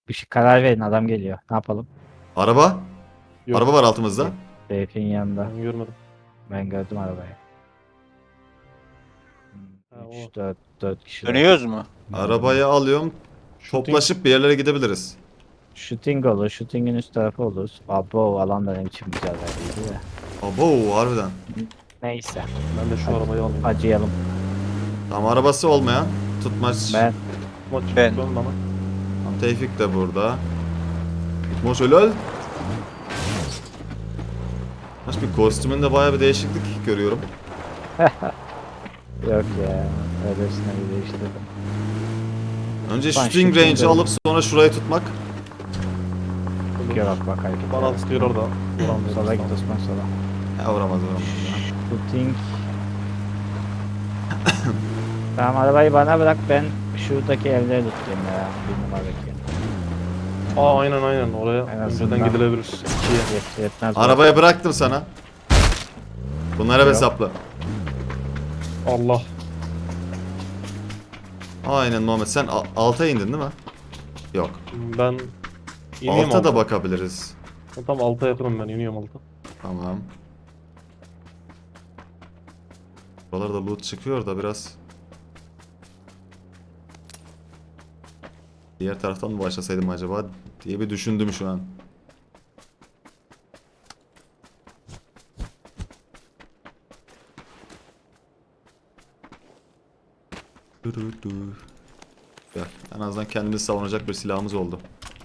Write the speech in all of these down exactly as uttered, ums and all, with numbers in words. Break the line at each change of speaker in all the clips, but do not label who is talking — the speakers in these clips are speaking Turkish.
Bir şey karar verin, adam geliyor. Ne yapalım?
Araba.
Yok.
Araba var altımızda.
Seyfin yanında.
Ben görmedim.
Ben gördüm arabayı.
Ha, o.
üç dört dört kişi.
Dönüyoruz mu?
Arabayı alıyorum.
Shooting-
Toplaşıp bir yerlere gidebiliriz.
Shooting olur. Shooting'in üst tarafı olur. Abo alan da ne biçim güzel verdiydi de.
Abo harbiden.
Neyse.
Ben de şu arabayı alayım.
Acıyalım.
Tam arabası olmayan tutmaç.
Ben
Maç
Ben-
ben bana.
Tam Tevfik de burada. Tutmaç helal. Maç bir kostümünde bayağı bir değişiklik görüyorum.
yok ya. Öylesine bir değiştirdim.
Önce
Ben
shooting
shooting
range'i
derim.
alıp sonra şurayı tutmak.
Gör bak bak hareket.
Bana sıkıyor orada. Vuramıyorum.
Sola git Osman sola.
Ya vuramaz vuramaz.
Shooting. Tamam arabayı bana bırak, ben şuradaki evleri tutayım ya. Bir numaradaki.
Aa aynen aynen oraya
En
önceden
azından-
gidilebilir. İkiye.
Yet, yetmez.
Arabaya bıraktım sana. Bunlara
Yok.
hesaplı.
Allah.
Aynen Muhammed, sen a- alta indin değil mi? Yok.
Ben ineyim
Alta da
alta.
bakabiliriz.
Tam alta yakınım ben iniyorum alta.
Tamam. Buralarda loot çıkıyor da biraz. Diğer taraftan mı başlasaydım acaba diye bir düşündüm şu an. Durudu. Gel. En azından kendimizi savunacak bir silahımız oldu.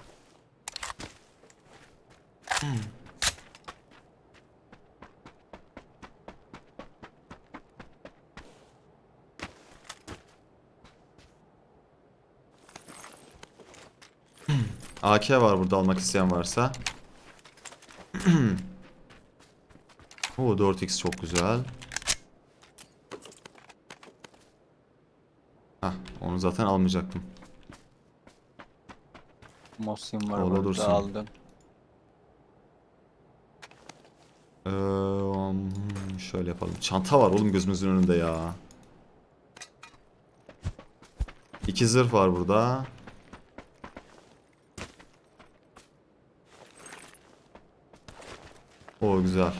A K var burada, almak isteyen varsa. Oo, dört x çok güzel. Hah, onu zaten almayacaktım.
Mosin var
Ola
burada,
dursun.
aldım.
Ee, hmm, şöyle yapalım. Çanta var oğlum gözümüzün önünde ya. İki zırh var burada. O güzel.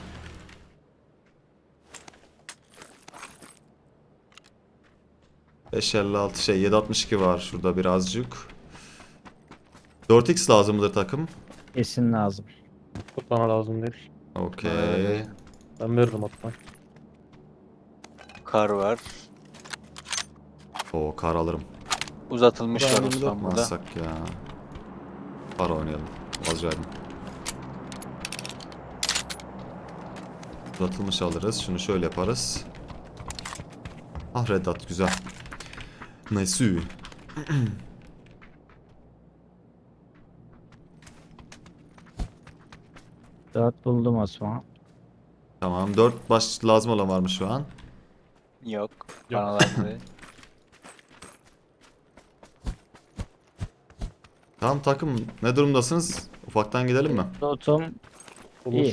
beş elli altı şey yedi altmış iki var şurada birazcık. dört x lazım mıdır takım?
Kesin lazım.
Bana lazım değil.
Okey.
Ee,
Ben veririm hatta.
Kar var.
O kar alırım.
Uzatılmış var
Ben
Osman burada.
Yapmazsak ya. Para oynayalım. Vazgeçtim. Uzatılmış alırız. Şunu şöyle yaparız. Ah Red Dot güzel. Nice.
Dört buldum Osman.
Tamam, dört baş lazım olan var mı şu an?
Yok.
Yok.
Bana lazım değil.
Tamam takım, ne durumdasınız? Ufaktan gidelim mi?
Notum
Olur.
İyi.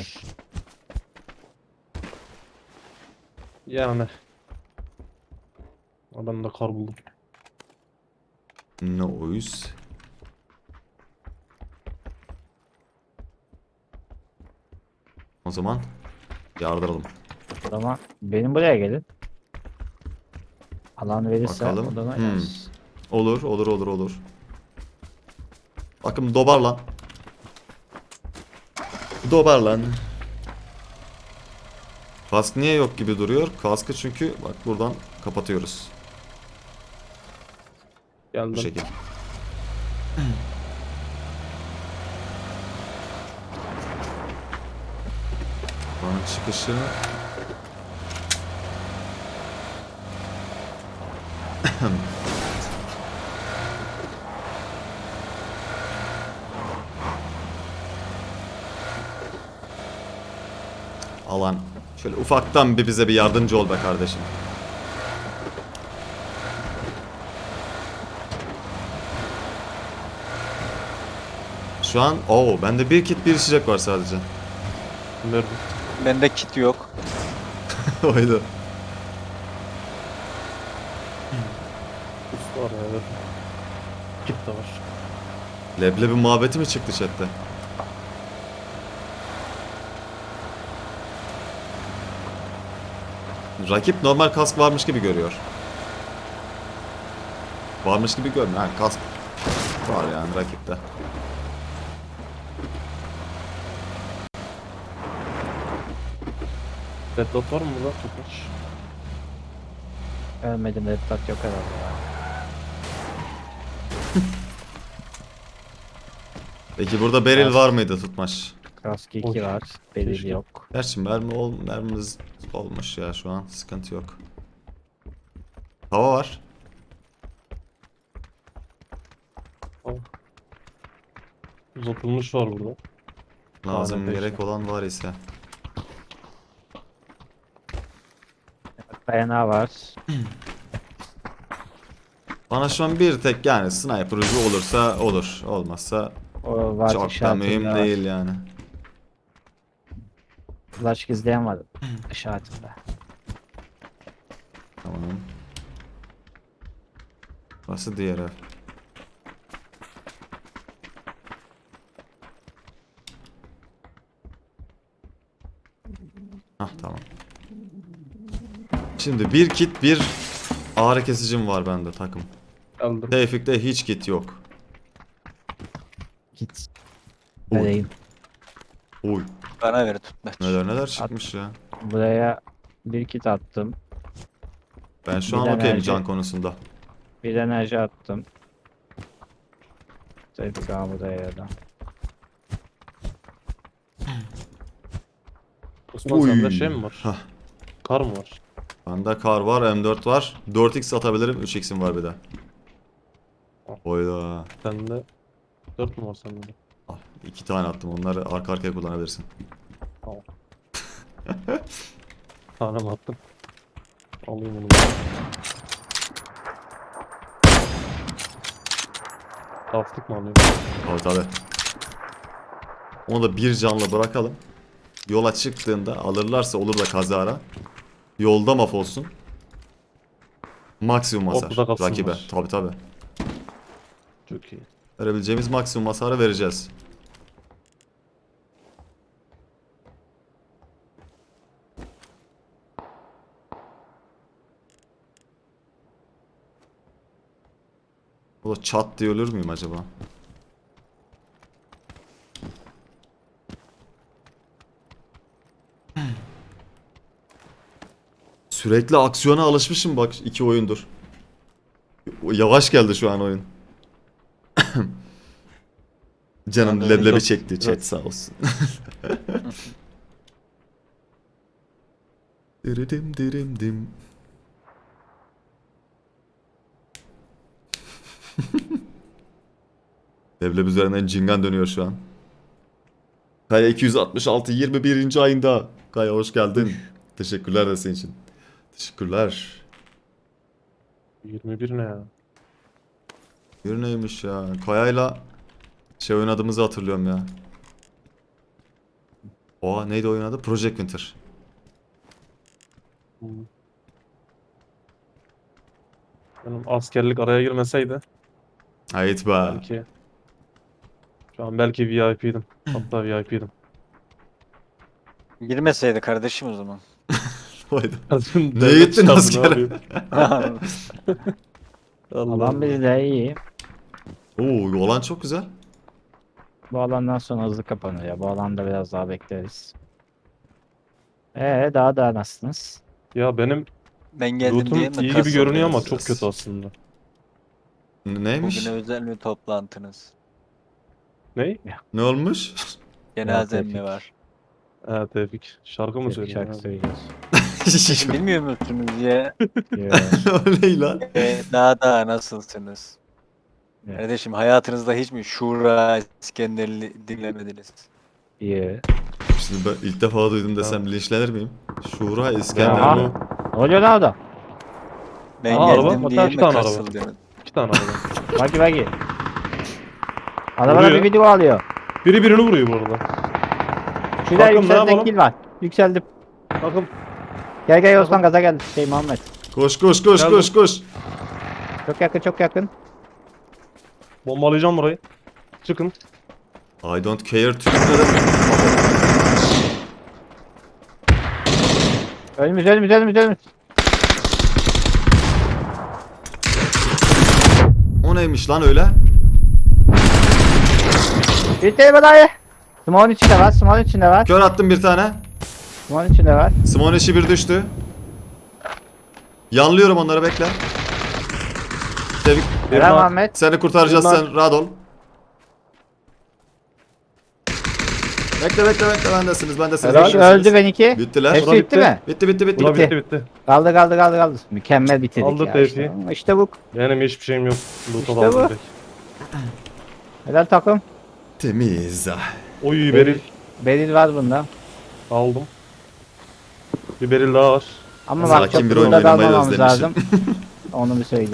Yani. Aa, ben de kar buldum.
Noise. O zaman yardıralım.
ama benim buraya gelin. Alan verirse
Bakalım.
odana
Hmm.
yaz.
Olur, olur, olur, olur. Bakın dobar lan. Dobar lan. Kask niye yok gibi duruyor? Kaskı çünkü bak buradan kapatıyoruz.
Geldim.
Bu şekilde. Buranın çıkışı. Alan. Şöyle ufaktan bir bize bir yardımcı ol be kardeşim. Şu an o bende bir kit bir içecek var sadece.
Verdim.
Bende kit yok.
Oydu.
Üst var ya verdim. Kit de var.
Leblebi muhabbeti mi çıktı chatte? Rakip normal kask varmış gibi görüyor. Varmış gibi görmüyor. Ha, kask var yani rakipte.
Red dot var mı burada? Tutmuş.
Ölmedim, red dot yok herhalde ya.
Peki burada beril var mıydı Tutmaş?
Kask iki
Oy.
var. Belirli
Keşke.
yok.
Gerçi mermi ol, mermimiz olmuş ya şu an. Sıkıntı yok. Hava var.
Uzatılmış var burada.
Lazım
Tane
gerek
peşte.
olan var ise.
Dayanağı var.
Bana şu an bir tek yani sniper ucu olursa olur. Olmazsa
O var
çok da
işaretinde
mühim
var.
değil yani.
Flash gizleyen var işaretinde.
Tamam. Burası diğer ev. Hah tamam. Şimdi bir kit bir ağrı kesicim var bende takım.
Geldim.
Tevfik'te hiç kit yok.
Git.
Oy.
Vereyim.
Oy.
Bana ver Tutmaç.
Neler neler çıkmış ya.
Buraya bir kit attım.
Ben şu
Bir
an
de
okeyim
enerji.
can konusunda.
Bir enerji attım. Tevfik abi buraya da.
Osman sende şey mi var?
Hah.
Kar mı var?
Bende kar var, M dört var. dört x atabilirim, üç x'im var bir de. Oyda.
Sende dört mü var sende de?
Ah, iki tane attım. Onları arka arkaya kullanabilirsin.
Tamam. Tane mi attım? Alayım onu. Taftık mı alayım?
Tabii tabii. Onu da bir canlı bırakalım. Yola çıktığında alırlarsa olur da kazara. Yolda mahvolsun. Maksimum hasar
Ortada kalsınlar.
rakibe. Tabii tabii.
Çok iyi.
Verebileceğimiz maksimum hasarı vereceğiz. O da çat diye ölür müyüm acaba? Sürekli aksiyona alışmışım bak iki oyundur. Yavaş geldi şu an oyun. Canım
Ben de
leblebi
öyle-
çekti chat
Evet.
sağ olsun. Diridim dirim dim. Leblebi üzerinden cingan dönüyor şu an. Kaya iki yüz altmış altı yirmi birinci ayında. Kaya hoş geldin. Teşekkürler de senin için. Teşekkürler.
yirmi bir ne ya?
Bir neymiş ya? Kaya'yla şey oynadığımızı hatırlıyorum ya. Oha neydi oyun adı? Project Winter.
Hmm. Benim askerlik araya girmeseydi
Hayt be.
belki şu an belki V I P'ydim. Hatta V I P'ydim.
Girmeseydi kardeşim o zaman.
Haydi.
Neye
Neye gittin askere?
Alan bizi de iyi.
Oo olan çok güzel.
Bu alandan sonra hızlı kapanıyor ya. Bu alanda biraz daha bekleriz. Ee daha da nasılsınız?
Ya benim
Ben geldim
lootum
diye mi
iyi gibi
kasıldınız?
görünüyor ama çok
siz?
kötü aslında.
N- Neymiş?
Bugüne özel bir toplantınız.
Ney?
Ne olmuş?
Cenazem
Tevfik.
mi var?
Ha Tevfik. Şarkı mı
Tevfik
söylüyorsun?
şarkı
abi?
söylüyoruz.
Bilmiyor musunuz ya?
Yo,
O ne lan?
E, daha daha nasılsınız?
Evet.
Kardeşim hayatınızda hiç mi Şura İskender'i dinlemediniz?
iyi.
Şimdi ben ilk defa duydum desem linçlenir miyim? Şura
Ya
İskender
Aha.
mi?
onu-
Ne oluyor lan orada?
Ben
Aa, araba,
geldim
hatta
diye
iki
mi
tane araba.
kasıldınız?
İki tane araba.
Bagi bagi. Arabada
Vuruyor.
bir video alıyor.
Biri birini vuruyor bu arada.
Şurada
Bakın, ne
yükseldik
yapalım?
kill var. Yükseldim.
Bakın
Gel gel Osman gaza gel. Şey Muhammed.
Koş koş koş
Geldim.
koş koş.
Çok yakın çok yakın.
bombalayacağım burayı. Çıkın.
I don't care Türklerim.
Önümüz önümüz önümüz önümüz.
O neymiş lan öyle?
Bir tane dayı. Smon içinde var. Smon içinde var.
Kör attım bir tane.
Smon içinde var.
Simon eşi bir düştü. Yanlıyorum onları bekle. Tevfik
Helal
var.
Muhammed.
seni kurtaracağız
Bunlar-
sen rahat ol. Bekle bekle bekle bendesiniz bendesiniz.
Helal.
bendesiniz.
Öldü benimki.
Bittiler.
Hepsi
Bura
bitti
bitti.
mi?
Bitti bitti bitti.
Buna
bitti.
bitti bitti.
Kaldı kaldı kaldı kaldı. Mükemmel bitirdik
Aldık
ya
Tevfik'i.
işte. İşte bu.
Benim hiçbir şeyim yok. Loot'a
İşte
da aldım
bu.
direkt.
Helal takım.
Temiz.
Oy beril.
Beril var bunda.
Aldım. Bir beril daha var.
Ama
Sakin
bak çok
bir oyun
burada
oynamayı
kalmamamız
özlemişim.
lazım. Onu bir söyleyeyim.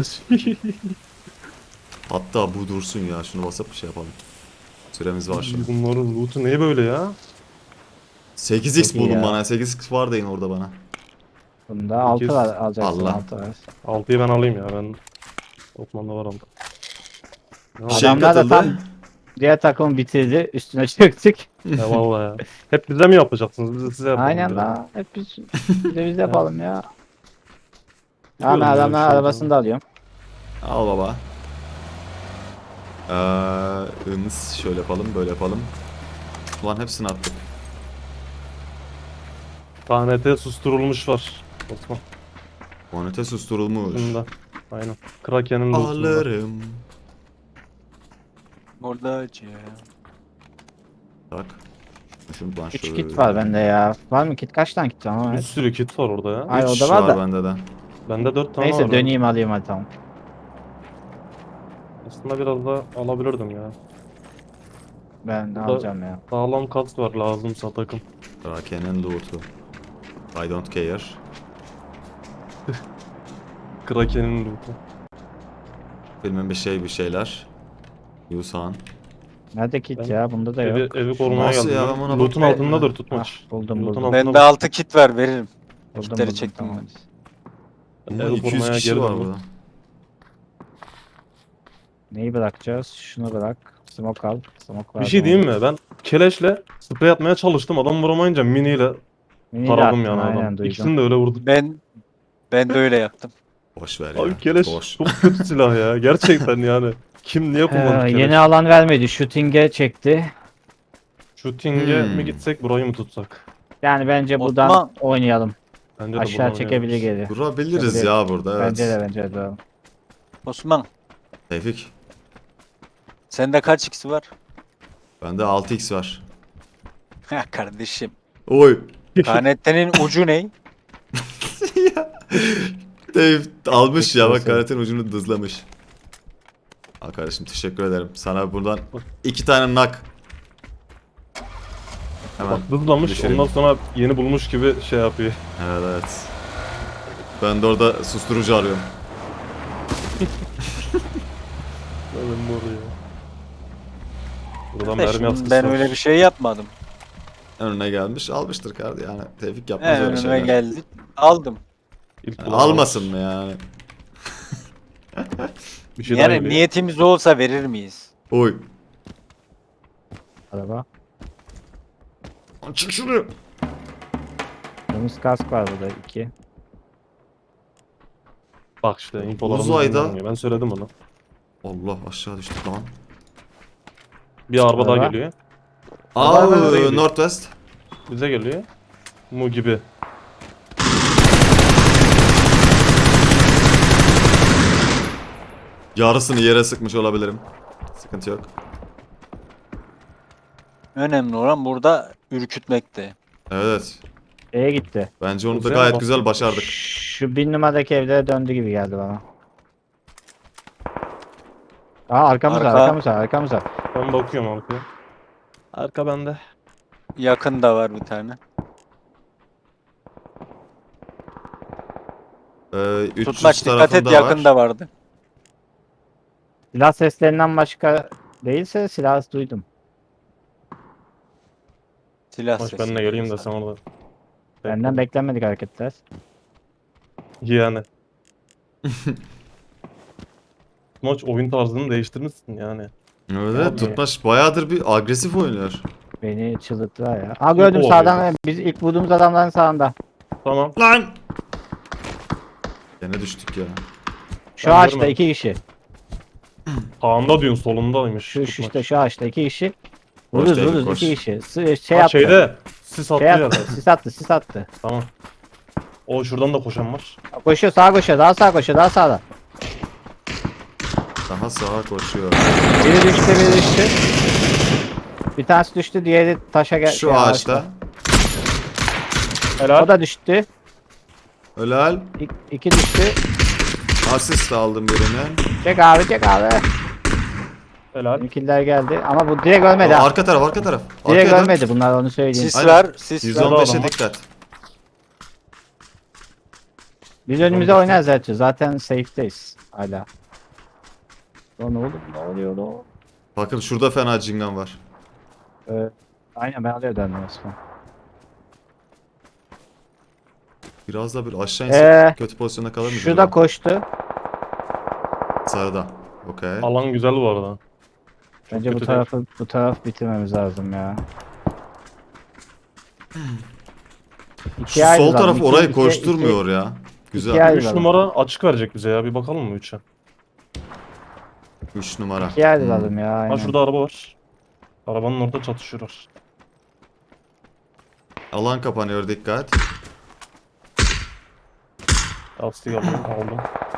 Hatta bu dursun ya şunu basıp bir şey yapalım. Süremiz var şimdi.
Bunların loot'u niye böyle ya?
sekiz x
Çok iyi
bulun
ya.
bana. sekiz x var deyin orada bana.
Bunda altı
Sekiz.
var alacaksın
Allah.
altı var.
altıyı ben alayım ya ben. Osman'da var aldım. Ya,
Şey
Adamlar da
katıldı.
tam diğer takım bitirdi. Üstüne çöktük.
ya vallahi ya. Hep bize mi yapacaksınız? Biz de size yapalım.
Aynen
ya.
la. Hep biz, biz de biz de yapalım ya.
Biliyorum
Ama
böyle bir
adamlar
şey
arabasını
olduğunu.
da alıyorum.
Al baba. Ee, ımız şöyle yapalım böyle yapalım. Ulan hepsini attık.
K N T susturulmuş var. Osman.
Monete susturulmuş.
Bunda. Aynen. Kraken'in loot'unda.
Alırım.
Buradacı.
Tak. Şuradan
üç
şöyle.
kit var bende ya. Var mı kit? Kaç tane kit var? Ama
Bir sürü kit var orada ya.
Ay,
Üç
o da var da.
bende de.
Bende dört tane
Neyse
var.
döneyim alayım hadi tamam.
Aslında biraz da alabilirdim ya.
Ben
da-
alacağım ya.
Sağlam kask var lazımsa takım.
Kraken'in loot'u. I don't care.
Kraken'in loot'u.
Bilmem bir şey bir şeyler. Yusan.
Nerede kit
Ben
ya? Bunda da
Evi,
yok.
evi korumaya
Nasıl
geldim.
ya?
ya.
Ben ona
Loot'un
bakmayayım
altındadır
ya.
tutmaç.
Ah, buldum
Loot'un
buldum.
altında
Bende
bak.
altı kit var veririm.
Buldum
Kitleri
buldum
çektim
tamam.
ben.
Ama
Evi
iki yüz
korumaya
kişi
geri
var
döndüm.
burada.
Neyi bırakacağız? Şunu bırak. Smoke al. Smoke var.
Bir şey diyeyim mi? Ben keleşle sprey atmaya çalıştım. Adam vuramayınca miniyle
Mini
taradım
de
yani
attım, aynen
adam.
duydum.
İkisini de öyle vurdum.
Ben ben de öyle yaptım.
Boş ver ya.
Abi keleş
Boş.
çok kötü silah ya. Gerçekten yani. Kim niye kullanır
Ee,
keleş?
yeni alan vermedi. Shooting'e çekti.
Shooting'e
Hmm.
mi gitsek burayı mı tutsak?
Yani bence buradan
Osman.
oynayalım.
Bence de
Aşağı
buradan
çekebilir
oynayalım.
geri.
Durabiliriz
Tabii.
ya burada evet.
Bence de bence de.
Osman
Tevfik.
sende kaç x var?
Bende altı x var.
Ha kardeşim.
Oy.
K N T'nin ucu ne?
Dev almış ya bak
Teşekkür
karetin ucunu dızlamış. Al kardeşim teşekkür ederim. Sana buradan iki tane nak. Hemen.
Bak dızlamış
düşüreyim.
ondan sonra yeni bulmuş gibi şey yapıyor.
Evet evet. Ben de orada susturucu arıyorum.
Ben mi oraya? Buradan mermi
Kardeşim,
askısı
ben
var.
öyle bir şey yapmadım.
Önüne gelmiş almıştır kardeşim yani. Tevfik yapmaz
He,
öyle
önüme
şeyler.
geldi. Aldım.
İlk
Yani
kullanılmış.
almasın mı yani?
Bir şey daha
Yani
geliyor.
niyetimiz olsa verir miyiz?
Oy.
Araba.
Lan çık şunu.
Temiz kask var burada iki.
Bak işte infolarımız
Uzayda-
dinleniyor. Ben söyledim onu.
Allah aşağı düştük lan.
Bir araba daha
Araba.
geliyor.
Aa,
Araba nereye gidiyor?
Northwest.
Bize geliyor. Mu gibi.
Yarısını yere sıkmış olabilirim. Sıkıntı yok.
Önemli olan burada ürkütmekte.
Evet.
E'ye gitti.
Bence onu da
Güzel
gayet
bak.
güzel başardık.
Şu bin numaradaki evlere döndü gibi geldi bana. Aa arkamız var
Arka.
arkamız var arkamız var.
Ben bakıyorum arkaya. Arka bende.
Yakında var bir tane.
Ee, üç yüz
Tutmaç dikkat et
tarafında
yakında
var.
vardı.
Silah seslerinden başka değilse silah duydum.
Silah
Maç
sesi.
benimle geleyim de sen orada.
Benden beklenmedik hareketler.
Yani. Maç oyun tarzını değiştirmişsin yani.
Evet
Abi.
Tutmaç bayağıdır bir agresif oynuyor.
Beni çıldırttılar ya. Aa gördüm
o
sağdan. Biz ilk vurduğumuz adamların sağında.
Tamam.
Lan! Gene düştük ya.
Şu
Ben
ağaçta
görmedim.
iki kişi.
Sağında diyorsun solundaymış.
Şu, şu
tutmaç.
işte şu ağaçta iki kişi.
Koş
Vururuz
David,
vururuz
koş.
iki kişi. Sı- şey
Ha,
attı.
şeyde sis attı
Şey
yerde.
attı. Sis attı sis attı.
Tamam. O şuradan da koşan var.
Koşuyor sağa koşuyor. Daha sağa koşuyor. Daha sağda.
Daha sağa koşuyor.
Biri düştü biri düştü. Bir tanesi düştü. Diğeri taşa gel.
Şu
şey,
ağaçta.
Helal.
O da düştü.
Helal.
İ- iki düştü.
Asist aldım birini.
Çek abi çek abi.
Helal.
Bizimkiler geldi. Ama bu direkt ölmedi.
Aa,
ha.
arka taraf arka taraf.
Direkt
Arkaya dön.
ölmedi bunlar onu söyleyeyim.
Sis
Aynen.
var, sis var.
adam
yüz on beşe
var.
dikkat.
Biz önümüze oynarız zaten. Zaten safe'deyiz hala. Lan oğlum ne oluyor lan?
Bakın şurada fena cingan var.
Ee, aynen ben alıyor döndüm Osman.
Biraz da bir aşağı insek
Ee,
kötü pozisyonda kalır mıyız?
Şu da
acaba?
koştu.
Sarıda. Okey.
Alan güzel bu arada. Çok
Bence bu
kötü
tarafı bu taraf bitirmemiz lazım ya.
Şu
İkiye ayrı
sol
lan,
taraf
iki-
orayı
iki-
koşturmuyor ya.
iki
Güzel.
ayrı
üç
lan.
numara açık verecek bize ya. Bir bakalım mı üçe?
üç numara.
İkiye
Hmm.
ayrılalım ya. Aynen.
Ha şurada araba var. Arabanın orada çatışıyorlar.
Alan kapanıyor dikkat.
Lastiği aldım. aldım.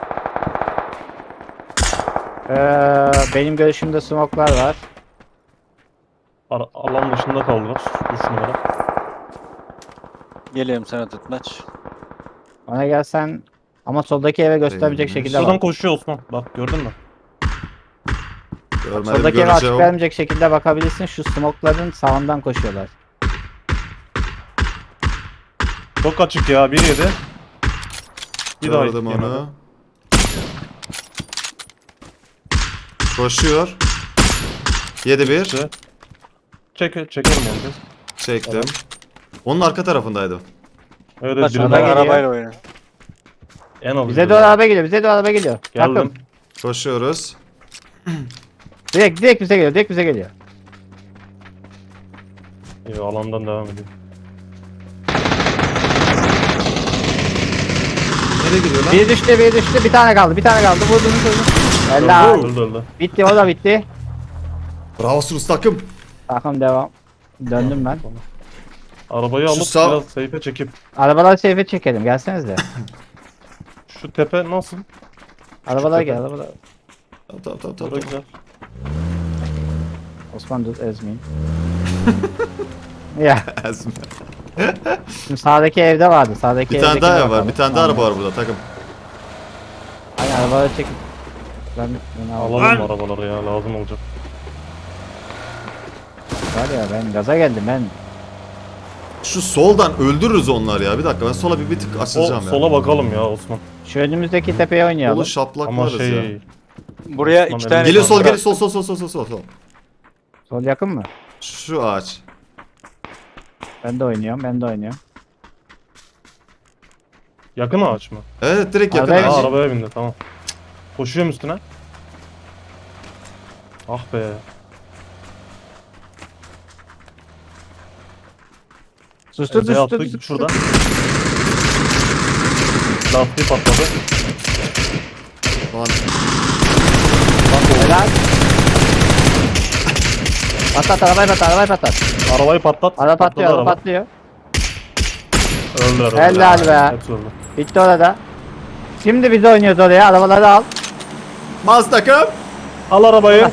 Ee, benim görüşümde smoke'lar var.
Ara- alan dışında kaldılar. üç numara.
Geliyorum sana tutmaç.
Ona gelsen ama soldaki eve göstermeyecek
Eyvallah.
şekilde
Şuradan
bak.
koşuyor Osman. Bak gördün mü?
Görmedim
Soldaki eve açık
göreceğim.
vermeyecek şekilde bakabilirsin. Şu smoke'ların sağından koşuyorlar.
Çok açık ya. Bir yedi. Bir daha
Gördüm
yedi.
onu. Koşuyor. yedi bir.
İşte. Çek, çekelim onu. biz.
Çektim.
Evet.
Onun arka tarafındaydı.
Evet,
Bak,
evet
sana
biri
Ben
geliyor.
daha.
arabayla oynuyorum.
En az
Bize
biri
doğru
daha.
araba geliyor. Bize doğru araba geliyor.
Geldim.
Takım.
Koşuyoruz.
Direkt direkt bize geliyor. Direkt bize geliyor.
İyi, alandan devam ediyor.
Nereye giriyor lan?
Biri düştü, biri düştü. Bir tane kaldı. Bir tane kaldı. Vurdunuz vurdunuz.
Öldü,
Helal.
öldü, öldü.
Bitti o da bitti.
Bravo Sus takım.
Takım devam. Döndüm ben.
Arabayı
Şu
alıp
sağ-
biraz seyfe çekip.
Arabaları seyfe çekelim. Gelsenize.
Şu tepe nasıl?
Arabalar
tepe.
gel. Arabalar.
Tamam tamam tamam. tamam.
Orada güzel.
Osman dur ezmeyin. ya
Ezme.
şimdi sağdaki evde vardı. Sağdaki
Bir tane
evdekine
daha ev var.
bakalım.
Bir tane daha
Tamam.
araba var burada takım.
Aynen arabaları çekip. Ben, ben al-
Alalım arabaları ya lazım olacak.
Var ya ben gaza geldim ben.
Şu soldan öldürürüz onları ya. Bir dakika ben sola bir, bir tık
O
açılacağım ya.
sola bakalım ya Osman.
Şu önümüzdeki tepeye oynayalım.
Solu şaplaklarız
Ama şey
ya.
Buraya
Osman
iki
Emre.
tane...
Geliyor sol
Bırak.
geliyor sol sol sol sol sol sol. sol.
Sol yakın mı?
Şu ağaç.
Ben de oynuyorum. Ben de oynuyorum.
yakın ağaç mı?
Evet direkt yakın
Arabaya
Aa,
ağaç.
arabaya bindi tamam. Koşuyorum üstüne. Ah be.
Sus sus
Ezeye
sus sus.
attık
sus.
şurada. Lastiği patladı.
Lan,
Helal. Patlat arabayı patlat arabayı patlat.
Arabayı patlat.
Araba patlıyor
Patladı
araba
araba.
patlıyor.
Öldüler.
Helal
öldüler.
be.
Hepsi öldü.
Bitti orada. Şimdi biz oynuyoruz oraya. Arabaları al.
Maz takım.
Al arabayı.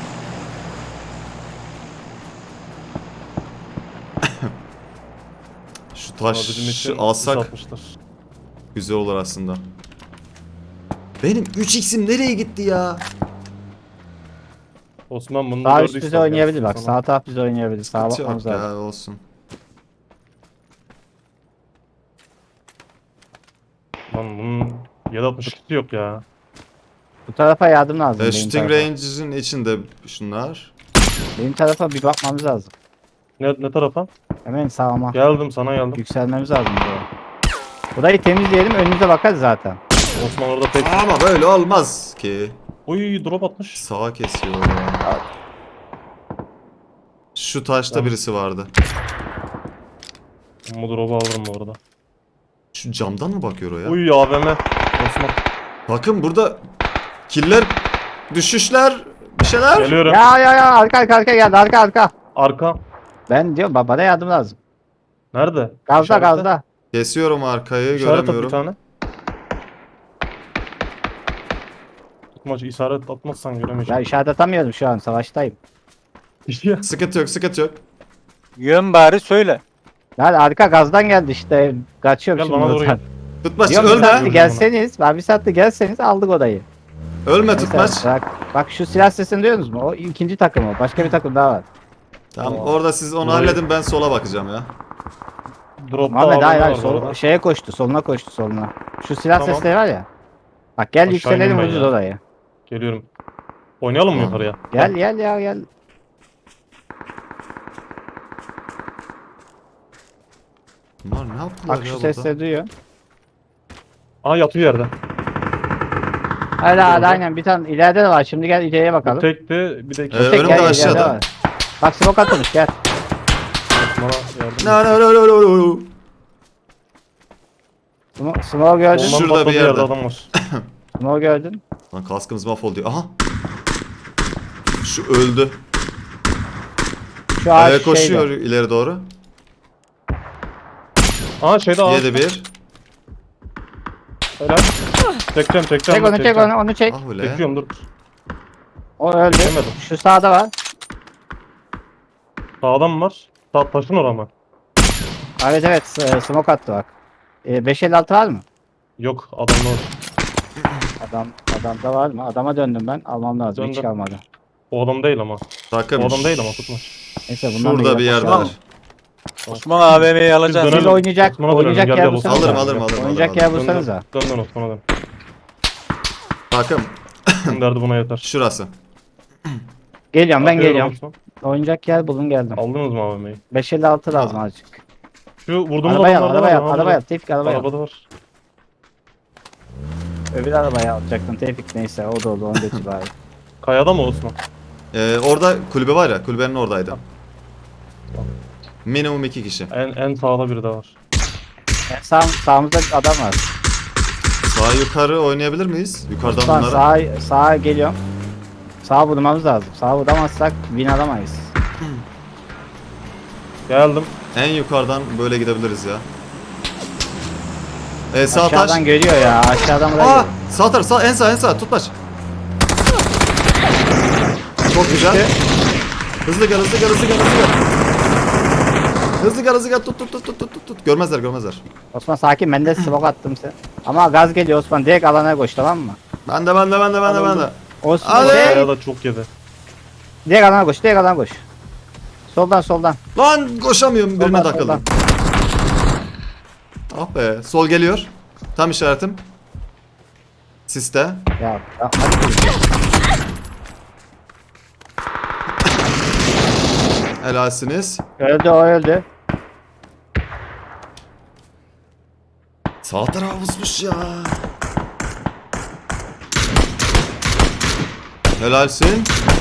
Şu
Ama
taş
bizim için
alsak
atmışlar.
güzel olur aslında. Benim üç x'im nereye gitti ya?
Osman bunu
Sağ üst
gördüysen
bize oynayabilir
gelsin
bak.
sana.
Sağ taraf bize oynayabilir. Sağa
Hiç
bakmamız
yok
lazım.
ya olsun.
Lan bunun yedi altmış ikisi yok ya.
Bu tarafa yardım lazım.
E,
benim,
shooting
tarafa.
range'in içinde şunlar.
benim tarafa bir bakmamız lazım.
Ne, ne tarafa?
Hemen sağıma.
Geldim sana geldim.
Yükselmemiz lazım buraya. Burayı temizleyelim önümüze bakarız zaten.
Osman orada pek...
Ama böyle olmaz ki.
Uy drop atmış.
Sağa kesiyor ya. Şu taşta
Tamam.
birisi vardı.
Bu drop'u alırım bu arada.
Şu camdan mı bakıyor o ya?
Uy A V M. Osman.
Bakın burada killer, düşüşler, bir şeyler.
Geliyorum.
Ya ya ya arka arka arka geldi arka arka.
Arka.
Ben diyorum ba- bana yardım lazım.
Nerede?
Gazda
İşaretle.
gazda.
Kesiyorum arkayı,
İşaret at bir
göremiyorum.
tane. Tutmaç işaret atmazsan
Ya
göremeyeceğim.
işaret atamıyorum şu an savaştayım.
Ya.
Sıkıntı yok, sıkıntı yok.
Yön bari söyle.
Yani arka gazdan geldi işte. Kaçıyorum
Gel
şimdi
bana doğru
buradan.
Tutmaç
Diyorum bir
ölme.
saatte gelseniz. Ben bir saatte gelseniz aldık odayı.
Ölme
Mesela
tutmaç.
Bak, bak şu silah sesini duyuyorsunuz mu? O ikinci takım o. Başka bir takım daha var.
Tamam
Tamam.
orada siz onu
Burayı-
halledin, ben sola bakacağım ya.
Drop'ta
Muhammed hayır hayır
var bu
sol,
arada.
şeye koştu soluna koştu soluna. Şu silah
Tamam.
sesleri var ya. Bak gel
Aşağı
yükselelim
ineyim ben
vuracağız
ya.
odayı.
Geliyorum. Oynayalım mı
Tamam.
yukarıya?
Gel gel ya gel.
Bunlar ne yaptılar
Bak
ya
şu
burada?
sesleri duyuyor.
Aa yatıyor yerde.
Hadi hadi
Orada.
aynen bir tane ileride de var. Şimdi gel ileriye
Bu
bakalım.
tekti bir de iki.
Ee,
Tek
önümde
gel, ileride
aşağıda.
var. Bak smoke atmış gel.
Osman'a yardım.
No, no, no, no, no, no.
Smoke, smoke gördün.
Şu-
Ondan
Şurada bir
patladığı
yerde.
yerde adam var.
Smoke gördün.
Lan kaskımız mahvoldu. Aha. Şu öldü.
Şu ağaç
Ee, koşuyor
şeyde.
ileri doğru.
Aa şeyde ağaç.
yedi bir.
Helal. Çekeceğim çekeceğim.
Çek onu çek
çekeceğim.
onu onu çek.
Ah öyle.
Çekiyorum dur.
O öldü.
Çekemedim.
Şu sağda var.
Sağdan mı var? Sağ taşın oraya mı?
Evet evet s- smoke attı bak. Ee, beş elli altı var mı?
Yok adamda var.
Adam adamda var mı? Adama döndüm ben. Almam lazım. Hiç
Döndüm.
kalmadı.
O adam değil ama.
Takım.
O adam değil ama tutma.
Neyse bundan da
Şurada bir
gidelim.
yerde
Tamam.
var.
Osman A V M'yi alacaksın.
dönelim.
Siz oynayacak,
Osman'a dönelim,
oynayacak
gel,
yer
gel,
bulsanız.
Alırım, alırım, alırım,
Oynayacak
alırım,
yer
alırım.
bulsanız da.
Dön dön Osman'a dön.
Takım.
Bunun derdi buna yeter.
Şurası.
Geliyorum ben
Atıyorum
geliyorum.
Osman.
Oynayacak yer bulun geldim.
Aldınız mı A V M'yi?
beş elli altı lazım azıcık.
Şu vurduğumuz
Arabaya al,
adamlarda
arabaya
var
al,
ya,
arabaya al. Tevfik arabaya al.
Arabada var.
Öbür arabaya alacaktın Tevfik neyse o da oldu onu götür bari.
Kayada mı Osman?
Ee, orada kulübe var ya, kulübenin oradaydı. Minimum iki kişi.
En en sağda biri de var.
Yani sağ, sağımızda adam var.
Sağ yukarı oynayabilir miyiz? Yukarıdan
Osman
bunlara.
sağa, sağa geliyorum. Sağa vurmamız lazım. Sağa vuramazsak win alamayız.
Geldim.
En yukarıdan böyle gidebiliriz ya. Ee, sağ taş.
Aşağıdan görüyor ya. Aşağıdan buraya
Aa,
görüyor.
sağ taraf, sağ, en sağ, en sağ. Tutmaç. Çok güzel. Hızlı gel, hızlı gel, hızlı gel, hızlı gel. Hızlı gel, hızlı gel. Tut, tut, tut, tut, tut, tut. Görmezler, görmezler.
Osman sakin ben de smoke attım sen. Ama gaz geliyor Osman direkt alana koş tamam mı?
Ben de, ben de, ben de, ben de, ben de.
Osman
Hadi.
direkt,
Kayada çok yedi.
direkt alana koş direkt alana koş. Soldan soldan.
Lan koşamıyorum, birine
Soldan,
takıldım.
soldan.
Ah be, sol geliyor. Tam işaretim. Siste.
Ya, ya hadi.
Helalsiniz.
Öldü o öldü.
Sağ tarafa vurmuş ya. Helalsin.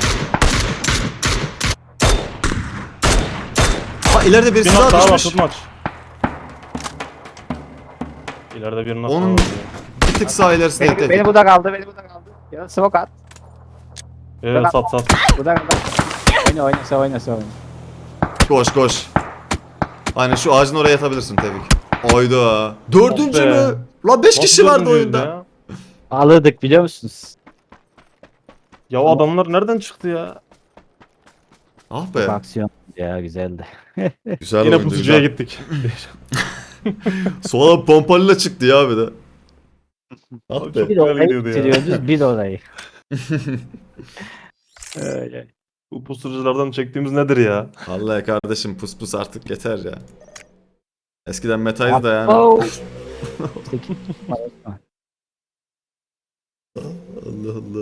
Aa, ileride birisi
Bir
daha
nak daha var
düşmüş.
tutmaç. İleride bir nak daha
Onun
var.
bir tık sağ ilerisinde.
Beni, beni burada kaldı beni burada kaldı. Ya smoke at.
Evet sat sat.
Burada kaldı. Oyna oyna sen oyna sen oyna.
Koş koş. Aynen şu ağacın oraya yatabilirsin Tevfik. Oydu. Dördüncü
Oh be.
mü? La beş
Nasıl
kişi vardı
dördüncüyüz
oyunda.
Ya?
Alırdık biliyor musunuz?
ya o adamlar nereden çıktı ya?
Ah
Bu
be.
aksiyon ya güzeldi.
Güzel
Yine
oyundu.
pusucuya
Güzel.
gittik.
Sola pompalıyla çıktı ya bir de. Ah
Abi
be.
çok
Bir
güzel
orayı
gidiyordu ya.
bitiriyoruz bir orayı. Öyle.
Bu pusuculardan çektiğimiz nedir ya?
Vallahi kardeşim pus pus artık yeter ya. Eskiden metaydı da yani.
Oh.
Allah Allah.